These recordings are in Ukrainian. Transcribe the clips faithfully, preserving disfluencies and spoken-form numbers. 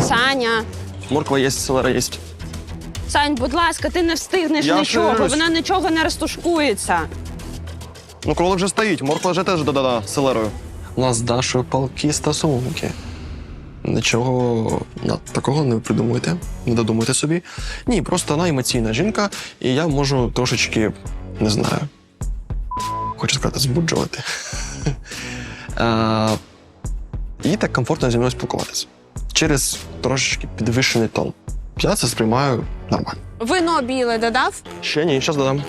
Саня. Морква є, селера є. Сань, будь ласка, ти не встигнеш Я нічого, ширюсь. вона нічого не розтушкується. Ну, кролик вже стоїть, морква вже теж додана селерою. У нас з Дашою палкі стосунки. Нічого над такого не придумуйте, не додумуйте собі. Ні, просто вона емоційна жінка, і я можу трошечки, не знаю, хочу сказати, збуджувати. А, їй так комфортно зі мною спілкуватися. Через трошечки підвищений тон. Я це сприймаю нормально. Вино біле додав? Ще ні, зараз додам.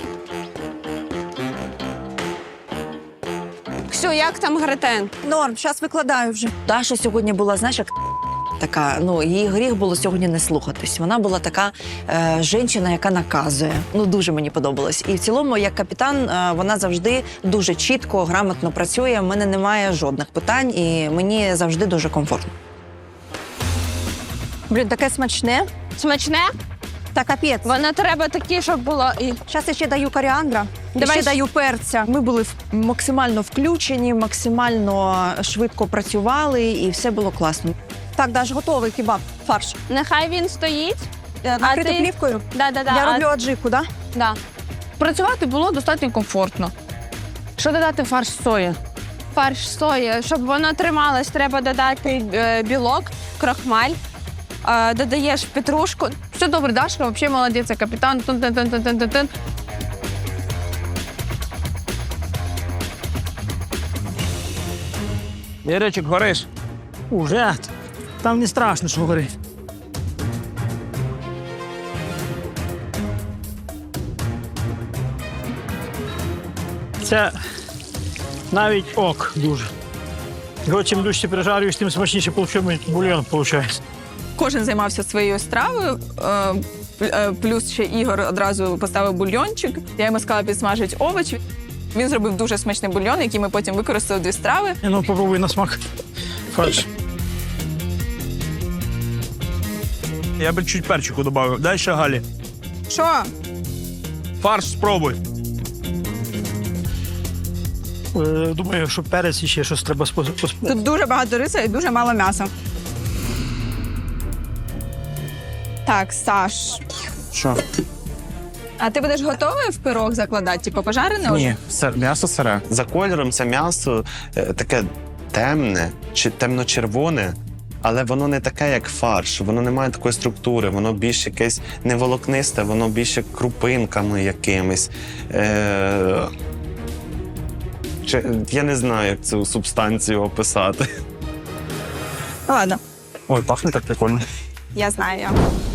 Ксю, як там гретен? Норм, зараз викладаю вже. Даша сьогодні була, знаєш, як така, ну, її гріх було сьогодні не слухатись. Вона була така е, жінка, яка наказує. Ну, дуже мені подобалось. І в цілому, як капітан, е, вона завжди дуже чітко, грамотно працює. В мене немає жодних питань, і мені завжди дуже комфортно. Блін, таке смачне. Смачне? Та капець. Воно треба таке, щоб було. І... Зараз я ще даю коріандра. Давай Ще щ- даю перця. Ми були в- максимально включені, максимально швидко працювали, і все було класно. Так, Даш, готовий кебаб, фарш. Нехай він стоїть. Е, Накрити ти- плівкою. Да, да, да. Я а- роблю аджику, так? Да? Да. Працювати було достатньо комфортно. Що додати в фарш сої? Фарш сої. Щоб воно трималось, треба додати е, білок, крохмаль. Е, додаєш петрушку. Все добре, Дашка, взагалі молодець, як капітан. Тун-тун-тун-тун-тун-тун. Іричик, гориш. Уже? Там не страшно, що горить. Це навіть ок дуже. Його чим дужче прижарюєш, тим смачніше бульйон виходить. Кожен займався своєю стравою. е, е, Плюс ще Ігор одразу поставив бульйончик. Я йому сказала підсмажити овочі. Він зробив дуже смачний бульйон, який ми потім використали в дві страви. Ну, попробуй на смак. Фарш. Я би чуть перчику додав. Дай ще Галі. Що? Фарш спробуй. Е, Думаю, що перець і ще щось треба спо- пос- Тут дуже багато риса і дуже мало м'яса. Так, Саш. Що? А ти будеш готовий в пирог закладати? Типу пожарене? вже? Ні, сир, м'ясо сире. За кольором це м'ясо е, таке темне чи темно-червоне, але воно не таке, як фарш. Воно не має такої структури, воно більш якесь не волокнисте, воно більше крупинками якимись. Е... Чи, я не знаю, як цю субстанцію описати. Ладно, Ой, пахне так прикольно. я знаю.